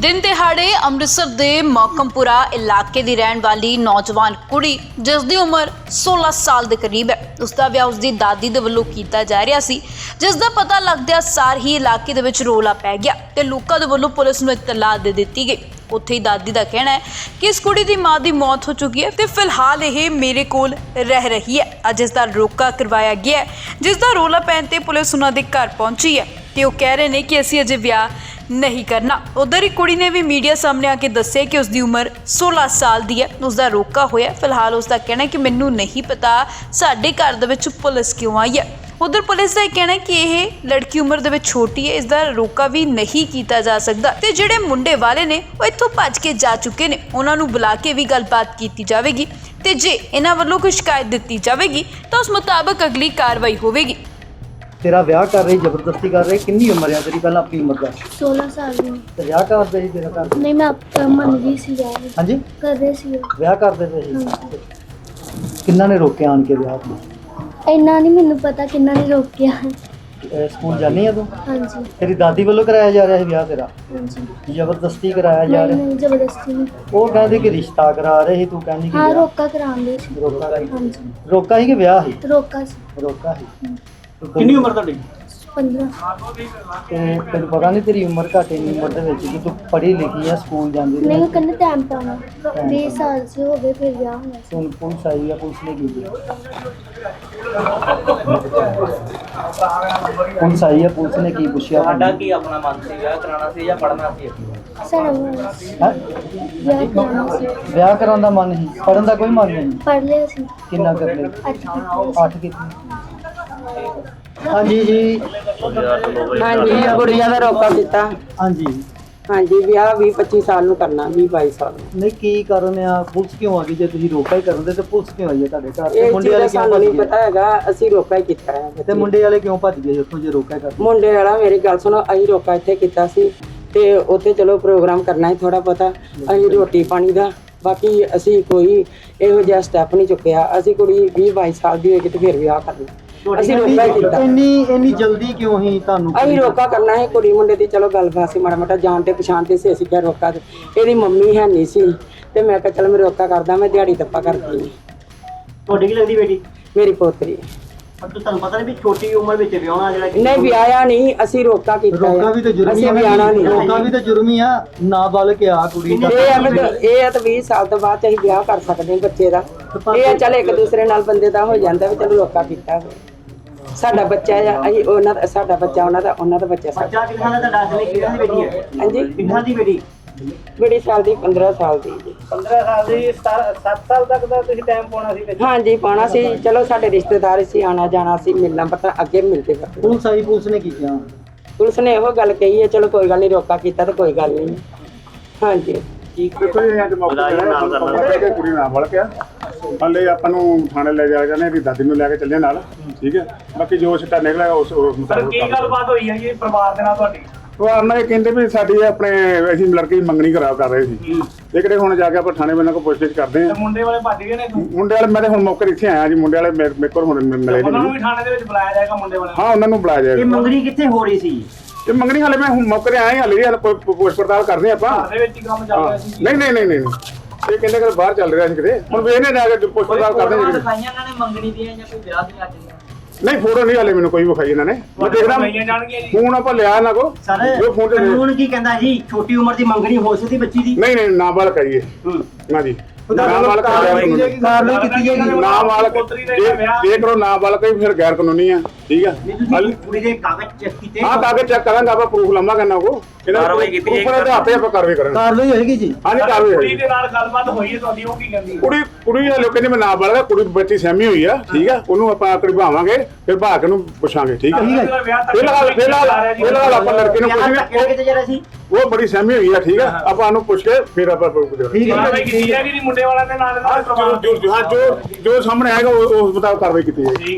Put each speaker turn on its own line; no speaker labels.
दिन दिहाड़े ਅੰਮ੍ਰਿਤਸਰ ਦੇ ਮੌਕਮਪੁਰਾ ਇਲਾਕੇ ਦੀ ਰਹਿਣ ਵਾਲੀ ਨੌਜਵਾਨ ਕੁੜੀ ਜਿਸ ਦੀ ਉਮਰ 16 ਸਾਲ ਦੇ ਕਰੀਬ ਹੈ, ਉਸ ਦਾ ਵਿਆਹ ਉਸ ਦੀ ਦਾਦੀ ਦੇ ਵੱਲੋਂ ਕੀਤਾ ਜਾ ਰਿਹਾ ਸੀ, ਜਿਸ ਦਾ ਪਤਾ ਲੱਗਦਿਆਂ ਸਾਰ ਹੀ ਇਲਾਕੇ ਦੇ ਵਿੱਚ ਰੌਲਾ ਪੈ ਗਿਆ ਤੇ ਲੋਕਾਂ ਦੇ ਵੱਲੋਂ ਪੁਲਿਸ ਨੂੰ ਇਤਲਾਹ ਦੇ ਦਿੱਤੀ ਗਈ। ਉੱਥੇ ਹੀ ਦਾਦੀ ਦਾ ਕਹਿਣਾ ਹੈ ਕਿ ਇਸ ਕੁੜੀ ਦੀ ਮਾਂ ਦੀ ਮੌਤ ਹੋ ਚੁੱਕੀ ਹੈ ਤੇ ਫਿਲਹਾਲ ਇਹ ਮੇਰੇ ਕੋਲ ਰਹਿ ਰਹੀ ਹੈ। ਅੱਜ ਇਸ ਦਾ ਰੋਕਾ ਕਰਵਾਇਆ ਗਿਆ ਹੈ, ਜਿਸ ਦਾ ਰੌਲਾ ਪੈਣ ਤੇ ਪੁਲਿਸ ਉਹਨਾਂ ਦੇ ਘਰ ਪਹੁੰਚੀ ਹੈ ਤੇ ਉਹ ਕਹਿ ਰਹੇ ਨੇ ਕਿ ਅਸੀਂ ਅਜੇ ਵਿਆਹ नहीं करना। उधर ही कुड़ी ने भी मीडिया सामने आके दस्सिया कि उसकी उम्र 16 साल दी है, उसका रोका होया। फिलहाल उसका कहना है कि मैनू नहीं पता साडे घर दे विच पुलिस क्यों आई है। उधर पुलिस का कहना है कि यह लड़की उम्र दे विच छोटी है, इसका रोका भी नहीं किया जा सकता ते जिहड़े मुंडे वाले ने वो इत्थों भज के जा चुके ने, उन्हां नूं बुला के भी गलबात की जाएगी ते जे इन्हां वल्लों कोई शिकायत दी जाएगी तो उस मुताबिक अगली कार्रवाई होगी।
तेरा ब्याह कर रही, जबरदस्ती कर रही, कितनी उम्र है तेरी? पहला अपनी उम्र का
16 साल ਦੀ
ਤੇ ਵਿਆਹ ਕਰਦੇ ਸੀ ਤੇਰਾ ਘਰ?
ਨਹੀਂ ਮੈਂ ਮੰਨ ਗਈ ਸੀ ਯਾਰ
ਹਾਂਜੀ
ਕਰਦੇ ਸੀ
ਵਿਆਹ ਕਰਦੇ ਪਏ ਸੀ। ਕਿੰਨਾ ਨੇ ਰੋਕਿਆ ਆਣ ਕੇ ਵਿਆਹ ਨੂੰ?
ਇੰਨਾ ਨਹੀਂ ਮੈਨੂੰ ਪਤਾ ਕਿੰਨਾ ਨੇ ਰੋਕਿਆ।
ਸਕੂਲ ਜਾਣੀ ਆ ਤੂੰ?
ਹਾਂਜੀ
ਤੇਰੀ ਦਾਦੀ ਵੱਲੋਂ ਕਰਾਇਆ ਜਾ ਰਿਹਾ ਸੀ ਵਿਆਹ ਤੇਰਾ?
ਹਾਂਜੀ
ਜ਼ਬਰਦਸਤੀ ਕਰਾਇਆ ਜਾ ਰਿਹਾ?
ਨਹੀਂ ਜ਼ਬਰਦਸਤੀ ਨਹੀਂ।
ਉਹ ਕਹਿੰਦੇ ਕਿ ਰਿਸ਼ਤਾ ਕਰਾ ਰਹੇ ਸੀ, ਤੂੰ ਕਹਿੰਦੀ ਕਿ
ਹਾਂ
ਵਿਆਹ?
ਰੋਕਾ ਕਰਾਉਂਦੇ ਸੀ।
ਰੋਕਾ ਸੀ?
ਹਾਂਜੀ
ਰੋਕਾ ਸੀ ਕਿ ਵਿਆਹ ਸੀ?
ਰੋਕਾ ਸੀ।
ਰੋਕਾ ਸੀ।
ਕਿੰਨੀ ਉਮਰ ਤੁਹਾਡੀ?
15
ਤੇ ਤੈਨੂੰ ਪਤਾ ਨਹੀਂ ਤੇਰੀ ਉਮਰ ਘੱਟ ਇੰਨੀ ਉਮਰ ਦੇ ਵਿੱਚ ਕਿ ਤੂੰ ਪੜ੍ਹੀ ਲਿਖੀ ਆ, ਸਕੂਲ ਜਾਂਦੀ
ਨਹੀਂ
ਰਹੀ?
ਉਹ ਕਹਿੰਦੇ ਟਾਈਮ ਪਾਉਣਾ 20 ਸਾਲ ਸੇ ਹੋ ਗਏ ਫਿਰ ਵਿਆਹ ਹੋਇਆ ਸੀ।
ਹੁਣ ਪੁਲਿਸ ਆਈ ਆ, ਪੁਲਿਸ ਨੇ ਕੀ ਕੀਤਾ? ਪੁਲਿਸ ਆਈ ਆ, ਪੁਲਿਸ ਨੇ ਕੀ ਪੁੱਛਿਆ?
ਸਾਡਾ ਕੀ ਆਪਣਾ ਮਨ ਸੀ, ਵਿਆਹ ਕਰਾਉਣਾ ਸੀ ਜਾਂ ਪੜ੍ਹਨਾ ਸੀ?
ਸਾਡਾ
ਹੈਂ?
ਵਿਆਹ ਕਰਾਉਣਾ ਸੀ।
ਵਿਆਹ ਕਰਾਉਣ ਦਾ ਮਨ ਨਹੀਂ, ਪੜ੍ਹਨ ਦਾ ਕੋਈ ਮਨ ਨਹੀਂ?
ਪੜ੍ਹ ਲਿਆ ਸੀ।
ਕਿੰਨਾ ਕਰ ਲਿਆ? 8 ਕੀਤੀ। ਹਾਂਜੀ ਜੀ।
ਹਾਂਜੀ ਕੁੜੀਆਂ ਦਾ ਰੋਕਾ ਕੀਤਾ।
ਹਾਂਜੀ
ਹਾਂਜੀ ਵਿਆਹ 20-25 ਸਾਲ ਨੂੰ ਕਰਨਾ, 20-22 ਸਾਲ ਨੂੰ।
ਨਹੀਂ ਕੀ ਕਾਰਨ ਆ? ਪੁਲਿਸ ਕਿਉਂ ਆ ਗਈ? ਜੇ ਤੁਸੀਂ ਰੋਕਾ ਹੀ ਕਰਦੇ ਤੇ ਪੁਲਿਸ ਕਿਉਂ ਆਈ ਹੈ ਤੁਹਾਡੇ ਘਰ? ਤੇ
ਇਹ
ਮੁੰਡੇ
ਚੀਜ਼
ਵਾਲੇ
ਦਾ
ਕਿਉਂ
ਸਾਨੂੰ
ਭੱਜ
ਨਹੀਂ
ਗਏ?
ਪਤਾ ਹੈਗਾ, ਅਸੀਂ ਰੋਕਾ ਹੀ ਕੀਤਾ ਹੈ।
ਤੇ ਮੁੰਡੇ ਵਾਲੇ ਕਿਉਂ ਭੱਜ ਗਏ ਉੱਥੋਂ ਜੇ ਰੋਕਾ ਕਰਦੇ?
ਮੁੰਡੇ ਵਾਲਾ ਮੇਰੀ ਗੱਲ ਸੁਣੋ, ਅਸੀਂ ਰੋਕਾ ਇੱਥੇ ਕੀਤਾ ਸੀ ਤੇ ਉੱਥੇ ਚਲੋ ਪ੍ਰੋਗਰਾਮ ਕਰਨਾ ਹੀ ਥੋੜਾ ਪਤਾ, ਅਸੀਂ ਰੋਟੀ ਪਾਣੀ ਦਾ, ਬਾਕੀ ਅਸੀਂ ਕੋਈ ਇਹੋ ਜਿਹਾ ਸਟੈਪ ਨਹੀਂ ਚੁੱਕਿਆ। ਅਸੀਂ ਕੁੜੀ 20-22 ਸਾਲ ਦੀ ਹੋਏਗੀ ਤੇ ਫਿਰ ਵਿਆਹ ਕਰਨਾ, ਅਸੀਂ ਰੋਕਾ ਹੀ ਕੀਤਾ।
ਇੰਨੀ ਜਲਦੀ ਕਿਉਂ ਹੀ ਤੁਹਾਨੂੰ?
ਅਸੀਂ ਰੋਕਾ ਕਰਨਾ ਹੈ ਕੁੜੀ ਮੁੰਡੇ ਦੀ, ਚਲੋ ਗੱਲਬਾਤ ਸੀ ਮਾੜਾ ਮਾੜਾ ਜਾਣ ਤੇ ਪਛਾਣ ਤੇ ਸੀ, ਅਸੀਂ ਕਿਹਾ ਰੋਕਾ ਤੇ ਇਹਦੀ ਮੰਮੀ ਹੈ ਨਹੀਂ ਸੀ ਤੇ ਮੈਂ ਕਿਹਾ ਚਲ ਮੈਂ ਰੋਕਾ ਕਰਦਾ, ਮੈਂ ਦਿਹਾੜੀ ਤੱਪਾ ਕਰਦੀ।
ਤੁਹਾਡੀ ਕੀ ਲੱਗਦੀ ਬੇਟੀ?
ਮੇਰੀ ਪੋਤਰੀ।
ਪਰ ਤੁਹਾਨੂੰ ਪਤਾ ਨਹੀਂ ਵੀ ਛੋਟੀ ਉਮਰ ਵਿੱਚ ਵਿਆਹਣਾ ਜਿਹੜਾ
ਨਹੀਂ ਵਿਆਹਿਆ ਨਹੀਂ, ਅਸੀਂ ਰੋਕਾ ਕੀਤਾ।
ਰੋਕਾ ਵੀ ਤਾਂ ਜੁਰਮ ਹੀ
ਅਸੀਂ
ਆ।
ਵਿਆਹਣਾ ਨਹੀਂ।
ਰੋਕਾ ਵੀ ਤਾਂ ਜੁਰਮ ਹੀ ਆ। ਨਾਬਾਲਗ ਆ ਕੁੜੀ ਦਾ।
ਇਹ ਤਾਂ 20 ਸਾਲ ਤੋਂ ਬਾਅਦ ਅਸੀਂ ਵਿਆਹ ਕਰ ਸਕਦੇ ਹਾਂ ਬੱਚੇ ਦਾ। ਇਹ ਆ ਚੱਲ ਇੱਕ ਦੂਸਰੇ ਨਾਲ ਬੰਦੇ ਦਾ ਹੋ ਜਾਂਦਾ ਵੀ ਚਲੋ ਰੋਕਾ ਕੀਤਾ ਹੋਵੇ। ਸਾਡਾ ਬੱਚਾ ਆ, ਅਸੀਂ ਉਹਨਾਂ ਦਾ, ਸਾਡਾ ਬੱਚਾ ਉਹਨਾਂ ਦਾ, ਉਹਨਾਂ ਦਾ ਬੱਚਾ ਸਾਡਾ।
ਬੱਚਾ ਕਿੰਨਾ ਦਾ ਤੁਹਾਡਾ? ਅਸਲੇ ਕਿੰਨਾ ਦੀ ਬੇਟੀ ਹੈ?
ਹਾਂਜੀ
ਕਿੰਨਾ ਦੀ ਬੇਟੀ?
ਬੜੀ ਸਾਲ ਦੀ, 15 ਸਾਲ ਦੀ ਜੀ।
15 ਸਾਲ ਦੀ। 7 ਸਾਲ ਤੱਕ ਦਾ ਤੁਸੀਂ ਟਾਈਮ ਪਾਉਣਾ ਸੀ ਵਿੱਚ?
ਹਾਂਜੀ ਪਾਉਣਾ ਸੀ, ਚਲੋ ਸਾਡੇ ਰਿਸ਼ਤੇਦਾਰ ਸੀ, ਆਣਾ ਜਾਣਾ ਸੀ, ਮਿਲਣਾ ਪਤਾ ਅੱਗੇ ਮਿਲਦੇ ਕਰਦੇ।
ਪੁਲਿਸ ਆਈ, ਪੁਲਿਸ ਨੇ ਕੀ ਕਿਹਾ?
ਪੁਲਿਸ ਨੇ ਇਹੋ ਗੱਲ ਕਹੀ ਹੈ ਚਲੋ ਕੋਈ ਗੱਲ ਨਹੀਂ, ਰੋਕਾ ਕੀਤਾ ਤਾਂ ਕੋਈ ਗੱਲ ਨਹੀਂ। ਹਾਂਜੀ
ਕੁੜੀ ਨਾਲ ਵੜ ਪਿਆ ਹਲੇ ਆਪਾਂ ਨੂੰ ਥਾਣੇ ਲੈ ਜਾ ਜਾਂਦੇ, ਇਹਦੀ ਦਾਦੀ ਨੂੰ ਲੈ ਕੇ ਚੱਲੇ ਨਾਲ, ਠੀਕ ਹੈ। ਬਾਕੀ ਜੋ ਸਿੱਟਾ ਨਿਕਲਿਆ ਉਸ ਮੁਤਾਬਕ
ਕੀ ਗੱਲਬਾਤ ਹੋਈ ਹੈ ਜੀ ਪਰਿਵਾਰ ਦੇ ਨਾਲ ਤੁਹਾਡੀ?
ਉਹ ਇਹ ਕਹਿੰਦੇ ਵੀ ਸਾਡੀ ਆਪਣੇ ਅਸੀਂ ਲੜਕੀ ਦੀ ਮੰਗਣੀ ਕਰ ਰਹੇ ਸੀ। ਇਹ ਕਿਹੜੇ ਹੁਣ ਜਾ ਕੇ ਆਪਾਂ ਥਾਣੇ ਬੰਨਾਂ ਕੋਲ ਪੁੱਛਗਿੱਛ ਕਰਦੇ ਆ।
ਮੁੰਡੇ ਵਾਲੇ ਭੱਜ ਗਏ ਨੇ?
ਮੁੰਡੇ ਵਾਲੇ ਮੈਂ ਤਾਂ ਹੁਣ ਮੌਕੇ ਇੱਥੇ ਆਇਆ ਜੀ। ਮੁੰਡੇ ਵਾਲੇ ਮੇਰੇ ਕੋਲ ਹੁਣ ਮਿਲੇ
ਉਹਨਾਂ ਨੂੰ
ਨਹੀਂ।
ਵੀ ਥਾਣੇ ਦੇ ਵਿੱਚ ਬੁਲਾਇਆ ਜਾਏਗਾ ਮੁੰਡੇ ਵਾਲੇ?
ਹਾਂ ਉਹਨਾਂ ਨੂੰ ਬੁਲਾਇਆ
ਇਹ
ਜਾਏਗਾ।
ਮੰਗਣੀ ਕਿੱਥੇ ਹੋ ਰਹੀ ਸੀ?
ਇਹ ਮੰਗਣੀ ਹਾਲੇ ਮੈਂ ਹੁਣ ਮੌਕੇ ਤੇ ਆਇਆ, ਹਾਲੇ ਪੁੱਛ ਪੜਤਾਲ ਕਰਦੇ ਆਪਾਂ।
ਘਰ ਦੇ ਵਿੱਚ ਹੀ ਕੰਮ ਚੱਲ ਰਿਹਾ ਸੀ?
ਨਹੀਂ ਇਹ ਕਹਿੰਦੇ ਕਿ ਬਾਹਰ ਚੱਲ ਰਿਹਾ ਸੀ ਕਿਤੇ। ਹੁਣ ਵੇਖਨੇ ਜਾ ਕੇ ਪੁੱਛ ਪੜਤਾਲ ਕਰਦੇ ਜੀ।
ਦਿਖਾਈਆਂ ਇਹਨਾਂ ਨੇ ਮੰਗਣੀ ਦੀਆਂ ਜਾਂ ਕੋਈ ਵਿਆਹ ਦੀਆਂ ਅੱਜ?
ਨਹੀਂ ਫੋਟੋ ਨਹੀਂ ਹਾਲੇ ਮੈਨੂੰ ਕੋਈ ਵਿਖਾਈ ਇਹਨਾਂ ਨੇ। ਮੈਂ ਦੇਖਦਾ ਫੋਨ ਆਪਾਂ ਲਿਆ ਇਹਨਾਂ ਕੋ।
ਸਰ ਕਾਨੂੰਨ ਕੀ ਕਹਿੰਦਾ ਜੀ? ਛੋਟੀ ਉਮਰ ਦੀ ਮੰਗਣੀ ਹੋ ਸਕਦੀ ਬੱਚੀ ਦੀ?
ਨਹੀਂ ਨਾਬਾਲਗ ਹੈ ਜੀ। ਨਾ ਜੀ ਨਾਬਾਲਗ
ਕਾਰਵਾਈ ਕੀਤੀ ਜਾਏਗੀ।
ਨਾਬਾਲਗ ਜੇ ਕਰੋ ਨਾਬਾਲਗ ਹੀ ਫਿਰ ਗੈਰ ਕਾਨੂੰਨੀ ਆ, ਠੀਕ ਆ।
ਕੁੜੀ ਦੇ ਕਾਗਜ਼ ਚੈੱਕ ਕੀਤੇ?
ਹਾਂ ਕਾਗਜ਼ ਚੈੱਕ ਕਰਾਂਗਾ ਆਪਾਂ, ਪ੍ਰੂਫ ਲੰਮਾ ਕਰਨਾ ਕੋ ਕਾਰਵਾਈ ਕੀਤੀ ਜਾਏਗੀ। ਉੱਪਰ ਦੇ ਹੱਥੇ ਆਪਾਂ ਕਾਰਵਾਈ ਕਰਾਂਗੇ।
ਕਾਰਵਾਈ ਹੋਏਗੀ ਜੀ।
ਹਾਂਜੀ ਕਾਰਵਾਈ
ਕੁੜੀ
ਹੋਏਗੀ।
ਦੇ ਨਾਲ ਗੱਲਬਾਤ ਹੋਈ ਹੈ ਤੁਹਾਡੀ, ਉਹ ਕੀ ਕਹਿੰਦੀ?
ਕੁੜੀ ਵਾਲੇ ਕਹਿੰਦੇ ਮੈਂ ਨਾਬਾਲਗ ਆ, ਕੁੜੀ ਬੱਚੀ ਸਹਿਮੀ ਹੋਈ ਆ, ਠੀਕ ਆ। ਉਹਨੂੰ ਆਪਾਂ ਕਢਵਾਵਾਂਗੇ ਫਿਰ ਭਾਗ ਕੇ ਨੂੰ ਪੁੱਛਾਂਗੇ, ਠੀਕ ਆ। ਫਿਲਹਾਲ ਆਪਾਂ ਲੜਕੇ ਨੂੰ ਪੁੱਛਾਂਗੇ,
ਕਿਤੇ ਜਰਾ ਸੀ
ਉਹ ਬੜੀ ਸਹਿਮੀ ਹੋਈ ਆ, ਠੀਕ ਆ। ਆਪਾਂ ਉਹਨੂੰ ਪੁੱਛ ਕੇ ਫਿਰ ਆਪਾਂ
ਕਾਰਵਾਈ ਕੀਤੀ ਜਾਏਗੀ ਮੁੰਡੇ ਵਾਲਿਆਂ ਦੇ ਨਾਲ?
ਜੋ ਸਾਹਮਣੇ ਆਏਗਾ ਉਸ ਮੁਤਾਬਕ ਕਾਰਵਾਈ ਕੀਤੀ ਜਾਏਗੀ।